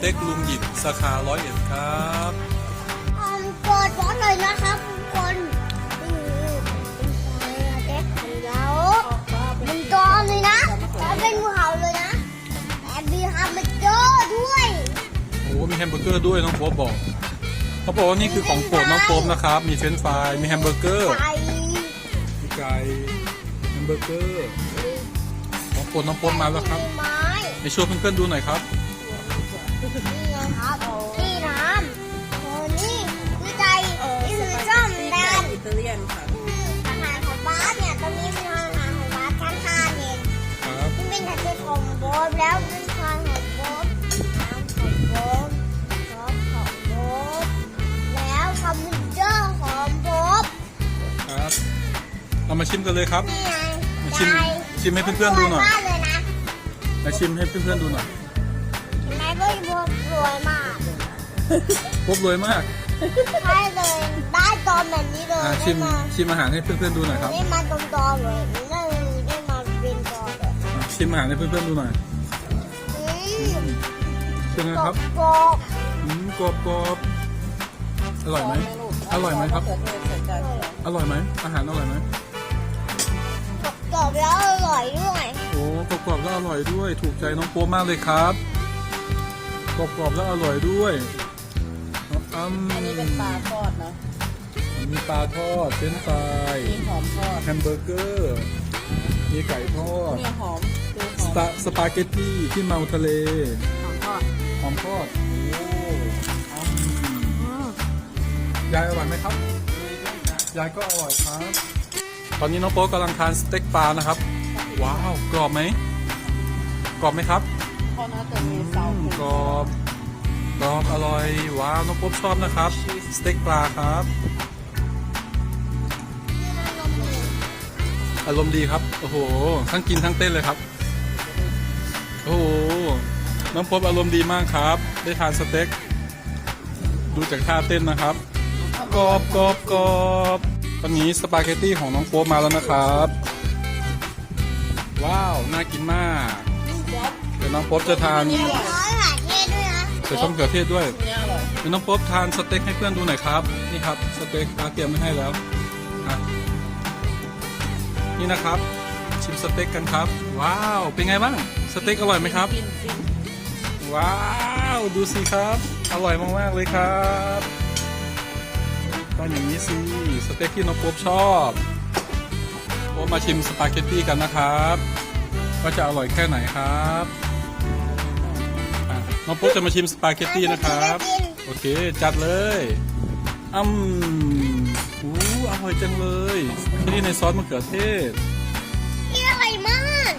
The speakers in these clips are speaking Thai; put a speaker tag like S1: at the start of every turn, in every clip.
S1: เต็กลุงหยิบสาขา101ครับ
S2: กดร้อนเลยนะครับทุกคนเด็กของเราเป็นตอนเลยนะแล้วเป็นงูเห่าเลยนะแต่มีแฮมเบอร์เกอร์ด้วย
S1: โอ้มีแฮมเบอร์เกอร์ด้วยน้องโป๊ปบอกเขาบอกว่านี่คือของโปรดน้องโป๊ปนะครับมีเฟรนช์ฟรายมีแฮมเบอร์เกอร์มีไก่แฮมเบอร์เกอร์ของโปรดน้องโป๊ปมาแล้วครับไปช่วยเพื่อนๆดูหน่อยครับ
S2: นี่ไงครับนี่น้ำโอ้นี่คือใจนี่คือส้มแดง
S3: อิตาเลียนค่ะ
S2: อาหารของบ้านเนี่ยตรงนี้เป็นอาหารของบ้านชั้น5เอง
S1: ครับ
S2: ที่เป็นอาหารของโบ๊ทแล้วเป็นอาหารของโบ๊ทน้ำของโบ๊ทซอสของโบ๊ทแล้วคอมพิวเตอร์ของโบ๊ท
S1: ครับเรามาชิมกันเลยครับ
S2: นี่ไง
S1: มาชิมให้เพื่อนๆดูหน่อย
S2: มากเลยนะ
S1: มาชิมให้เพื่อนๆดูหน่อย
S2: เห็นไหมโบ๊ทรวยมาก
S1: โป๊ปรวยมาก
S2: ใช่เลยได้ตอนแบบนี้เลย
S1: ชิม
S2: ได้มา
S1: ชิมอาหารให้เพื่อนๆดูหน่อยครับ
S2: ได้มาตรงตอนเลยได้มาเป็นตอนเลย
S1: ชิมอาหารให้เพื่อนๆดูหน่อย เป็นไงครับ
S2: กรอบ
S1: กรอบกรอบอร่อยไหมอร่อยไหมครับ อร่อยไหมอาหารอร่อยไหม
S2: กรอบแล้วอร่อยด้วย
S1: โอ้กรอบกรอบแล้วอร่อยด้วย ถูกใจน้องโป๊ปมากเลยครับกรอบกรอบแล้วอร่อยด้วย
S3: อันนี้เป็นปลาทอดเนาะ
S1: มีปลาทอดเฟรนช์ฟราย
S3: มีหอมทอด
S1: แฮมเบอร์เกอร์มีไก่ทอด
S3: มีหอมดูหอม
S1: สปาเกตตี้ที่เมาทะเล
S3: หอมทอด
S1: หอมทอดโอ้ยายอร่อยไหมครับยายก็อร่อยครับ ตอนนี้น้องโป๊ปกำลังทานสเต็กปลานะครับว้าวกรอบไหมกรอบไหมครับ
S3: เพราะน่าจะมีเซาก
S1: รอบกรอบอร่อยว้าวน้องโป๊ปชอบนะครับสเต็กปลาครับอารมณ์ดีครับโอ้โหทั้งกินทั้งเต้นเลยครับโอ้โหน้องโป๊ปอารมณ์ดีมากครับได้ทานสเต็กดูจากท่าเต้นนะครับกรอบกรอบกรอบตอนนี้สปาเกตตี้ของน้องโป๊ปมาแล้วนะครับว้าวน่ากินมากเดี๋ยวน้องโป๊ปจะทานใส่ส้มเขือเทศด้วยเดี๋ยวน้องโป๊ปทานสเต็กให้เพื่อนดูหน่อยครับนี่ครับสเต็กเตรียมไว้ให้แล้วนี่นะครับชิมสเต็กกันครับว้าวเป็นไงบ้างสเต็กอร่อยไหมครับว้าวดูสิครับอร่อยมากๆเลยครับต้องอย่างนี้สิสเต็กที่น้องโป๊ปชอบโป๊ปมาชิมสปาเกตตี้กันนะครับว่าจะอร่อยแค่ไหนครับน้องโป๊ปจะมาชิมสปาเกตตี้นะครับโอเคจัดเลยอร่อยจังเลยนี่ในซอสมะเขือเทศ
S2: นี่อร่อยมาก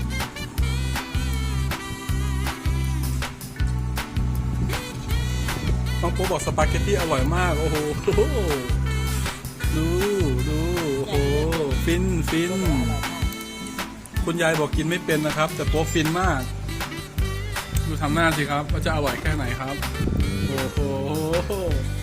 S1: น้องโป๊ปบอกสปาเกตตี้อร่อยมากโอ้โหดูโอ้โหฟินคุณยายบอกกินไม่เป็นนะครับแต่โป๊ปฟินมากดูทำหน้าสิครับว่าจะอร่อยแค่ไหนครับโอ้โห